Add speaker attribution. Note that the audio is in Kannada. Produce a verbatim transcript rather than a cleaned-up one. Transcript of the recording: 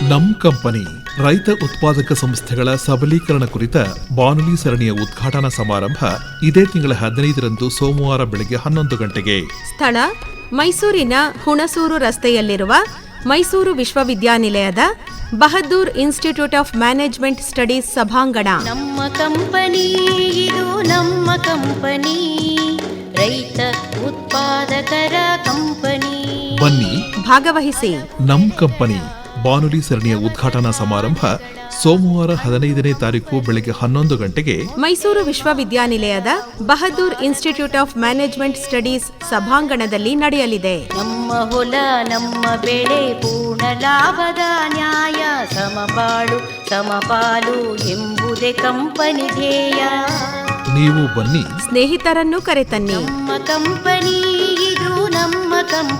Speaker 1: ನಮ್ ಕಂಪನಿ ರೈತ ಉತ್ಪಾದಕ ಸಂಸ್ಥೆಗಳ ಸಬಲೀಕರಣ ಕುರಿತ ಬಾನುಲಿ ಸರಣಿಯ ಉದ್ಘಾಟನಾ ಸಮಾರಂಭ ಇದೇ ತಿಂಗಳ ಹದಿನೈದರಂದು ಸೋಮವಾರ ಬೆಳಗ್ಗೆ ಹನ್ನೊಂದು ಗಂಟೆಗೆ.
Speaker 2: ಸ್ಥಳ ಮೈಸೂರಿನ ಹುಣಸೂರು ರಸ್ತೆಯಲ್ಲಿರುವ ಮೈಸೂರು ವಿಶ್ವವಿದ್ಯಾನಿಲಯದ Bahaddur institute of management studies ಸಭಾಂಗಣ.
Speaker 3: ನಮ್ಮ ಕಂಪನಿ ಇದು ನಮ್ಮ ಕಂಪನಿ, ರೈತ ಉತ್ಪಾದಕರ ಕಂಪನಿ.
Speaker 1: ಬನ್ನಿ
Speaker 2: ಭಾಗವಹಿಸಿ.
Speaker 1: ನಮ್ ಕಂಪನಿ ಬಾನುಲಿ ಸರಣಿಯ ಉದ್ಘಾಟನಾ ಸಮಾರಂಭ ಸೋಮವಾರ ಹದಿನೈದನೇ ತಾರೀಕು ಬೆಳಗ್ಗೆ ಹನ್ನೊಂದು ಗಂಟೆಗೆ
Speaker 2: ಮೈಸೂರು ವಿಶ್ವವಿದ್ಯಾನಿಲಯದ Bahaddur institute of management studies ಸಭಾಂಗಣದಲ್ಲಿ ನಡೆಯಲಿದೆ.
Speaker 3: ನಮ್ಮ ಹೊಲ ನಮ್ಮ ಬೆಳೆ ಪೂರ್ಣ ಲಾಭದ ನ್ಯಾಯ, ಸಮಬಾಳು ಸಮಪಾಲು ಎಂಬುದೇ ಕಂಪನಿ ಧ್ಯೇಯ.
Speaker 1: ನೀವು ಬನ್ನಿ,
Speaker 2: ಸ್ನೇಹಿತರನ್ನು ಕರೆತನ್ನಿ.
Speaker 3: ನಮ್ಮ ಕಂಪನಿ ಇದು ನಮ್ಮ ಕಂಪನಿ.